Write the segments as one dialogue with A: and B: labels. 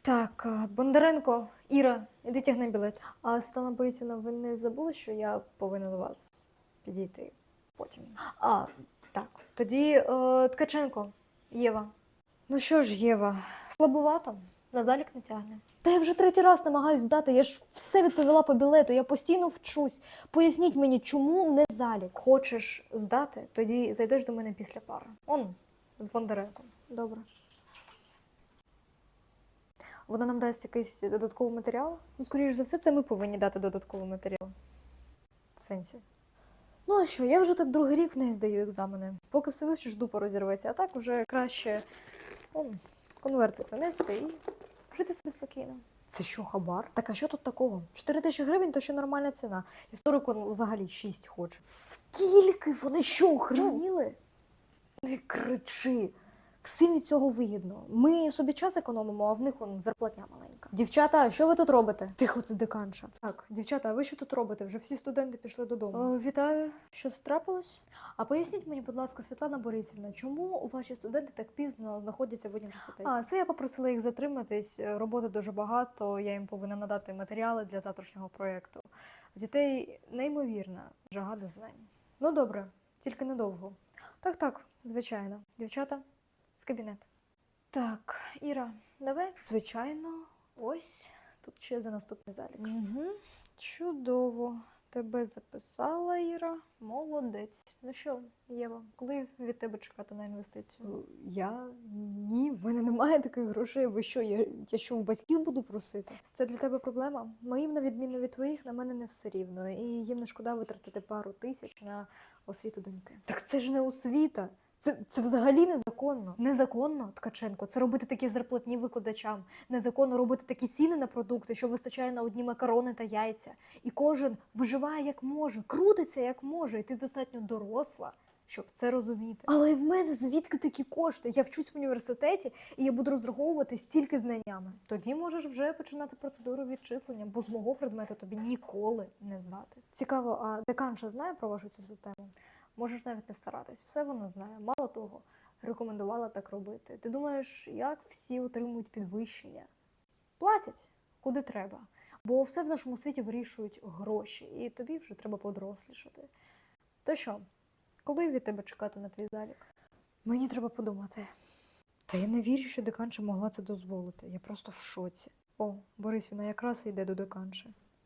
A: Так, Бондаренко, Іра, іди тягни білет. А Світлана Борисівна, ви не забули, що я повинна до вас підійти потім? Так. Тоді Ткаченко, Єва. Ну що ж, Єва, слабувато, на залік не тягне. Та я вже третій раз намагаюсь здати, я ж все відповіла по білету, я постійно вчусь. Поясніть мені, чому не залік? Хочеш здати, тоді зайдеш до мене після пари. Он, з Бондаренком. Добре. Вона нам дасть якийсь додатковий матеріал? Ну, скоріш за все, це ми повинні дати додатковий матеріал. В сенсі. Ну а що, я вже так другий рік в неї здаю екзамени. Поки все вивчиш, дупа розірветься, а так вже краще конверти це нести і жити собі спокійно. Це що, хабар? Так а що тут такого? 4 тисячі гривень – то ще нормальна ціна. Історику взагалі 6 хоче. Скільки? Вони що, охреніли? Не кричи. Всім від цього вигідно. Ми собі час економимо, а в них зарплатня маленька. Дівчата, що ви тут робите? Тихо, це деканша. Так, дівчата, а ви що тут робите? Вже всі студенти пішли додому. Вітаю. Щось трапилось? А поясніть мені, будь ласка, Світлана Борисівна, чому ваші студенти так пізно знаходяться в університеті? Це я попросила їх затриматись. Роботи дуже багато, я їм повинна надати матеріали для завтрашнього проєкту. В дітей неймовірна жага до знань. Ну добре, тільки недовго. Так, звичайно. Дівчата, в кабінет. Так, Іра, давай. Звичайно, ось тут ще за наступний залік. Угу. Чудово. Тебе записала, Іра. Молодець. Ну що, Єва, коли від тебе чекати на інвестицію? Я? Ні, в мене немає таких грошей. Ви що, я що, в батьків буду просити? Це для тебе проблема? Моїм, на відміну від твоїх, на мене не все рівно. І їм не шкода витратити пару тисяч на освіту доньки. Так це ж не освіта. Це взагалі незаконно. Незаконно, Ткаченко, це робити такі зарплатні викладачам. Незаконно робити такі ціни на продукти, що вистачає на одні макарони та яйця. І кожен виживає як може, крутиться як може. І ти достатньо доросла, щоб це розуміти. Але в мене звідки такі кошти? Я вчусь в університеті, і я буду розраховувати стільки знаннями. Тоді можеш вже починати процедуру відчислення, бо з мого предмету тобі ніколи не здати. Цікаво, а деканша знає про вашу цю систему? Можеш навіть не старатись, все вона знає. Мало того, рекомендувала так робити. Ти думаєш, як всі отримують підвищення? Платять, куди треба. Бо все в нашому світі вирішують гроші, і тобі вже треба подорослішати. То що, коли від тебе чекати на твій залік? Мені треба подумати. Та я не вірю, що деканша могла це дозволити. Я просто в шоці. О, Борисівна якраз йде до деканші.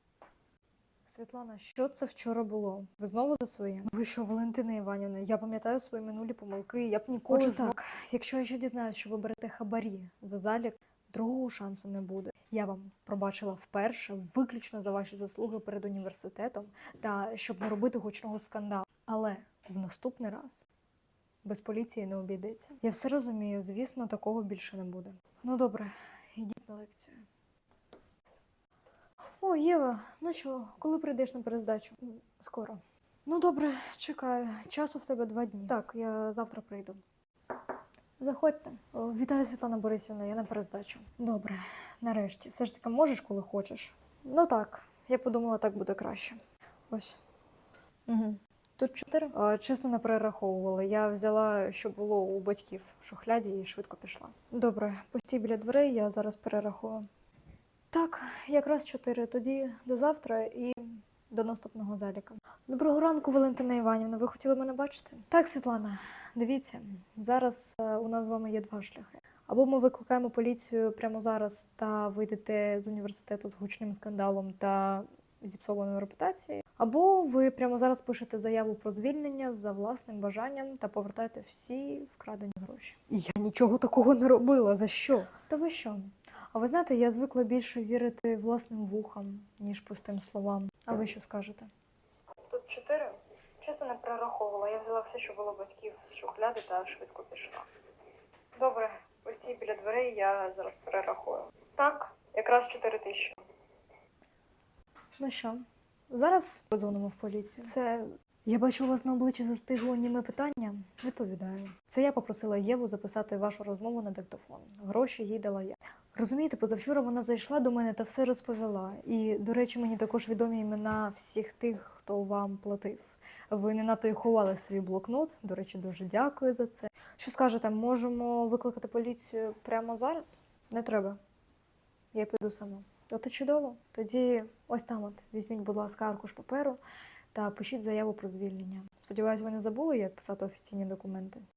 A: Світлана, що це вчора було? Ви знову за своє? Ви що, Валентина Іванівна, я пам'ятаю свої минулі помилки, я б ніколи так. Якщо я ще дізнаюсь, що ви берете хабарі за залік, другого шансу не буде. Я вам пробачила вперше, виключно за ваші заслуги перед університетом, та щоб не робити гучного скандалу. Але в наступний раз без поліції не обійдеться. Я все розумію, звісно, такого більше не буде. Ну добре, йдіть на лекцію. О, Єва, ну що, коли прийдеш на перездачу? Скоро. Ну добре, чекаю. Часу в тебе 2 дні. Так, я завтра прийду. Заходьте. Вітаю, Світлана Борисівна, я на перездачу. Добре, нарешті. Все ж таки можеш, коли хочеш? Ну так, я подумала, так буде краще. Ось. Угу. Тут 4? Чесно, не перераховувала. Я взяла, що було у батьків в шухляді і швидко пішла. Добре, постій біля дверей, я зараз перерахую. Так, якраз 4. Тоді до завтра і до наступного заліка. Доброго ранку, Валентина Іванівна. Ви хотіли мене бачити? Так, Світлана, дивіться, зараз у нас з вами є 2 шляхи. Або ми викликаємо поліцію прямо зараз та вийдете з університету з гучним скандалом та зіпсованою репутацією. Або ви прямо зараз пишете заяву про звільнення за власним бажанням та повертаєте всі вкрадені гроші. Я нічого такого не робила. За що? Та ви що? А ви знаєте, я звикла більше вірити власним вухам, ніж пустим словам. А ви що скажете? Тут 4. Чесно, не перераховувала. Я взяла все, що було батьків з шухляди та швидко пішла. Добре, постій біля дверей, я зараз перерахую. Так, якраз 4 тисячі. Ну що, зараз подзвонимо в поліцію. Це... Я бачу, у вас на обличчі застигло німе питання. Відповідаю. Це я попросила Єву записати вашу розмову на диктофон. Гроші їй дала я. Розумієте, позавчора вона зайшла до мене та все розповіла. І, до речі, мені також відомі імена всіх тих, хто вам платив. Ви не надто й ховали свій блокнот. До речі, дуже дякую за це. Що скажете, можемо викликати поліцію прямо зараз? Не треба. я піду сама. От і чудово. Тоді ось там от візьміть, будь ласка, аркуш паперу та пишіть заяву про звільнення. Сподіваюсь, ви не забули, як писати офіційні документи.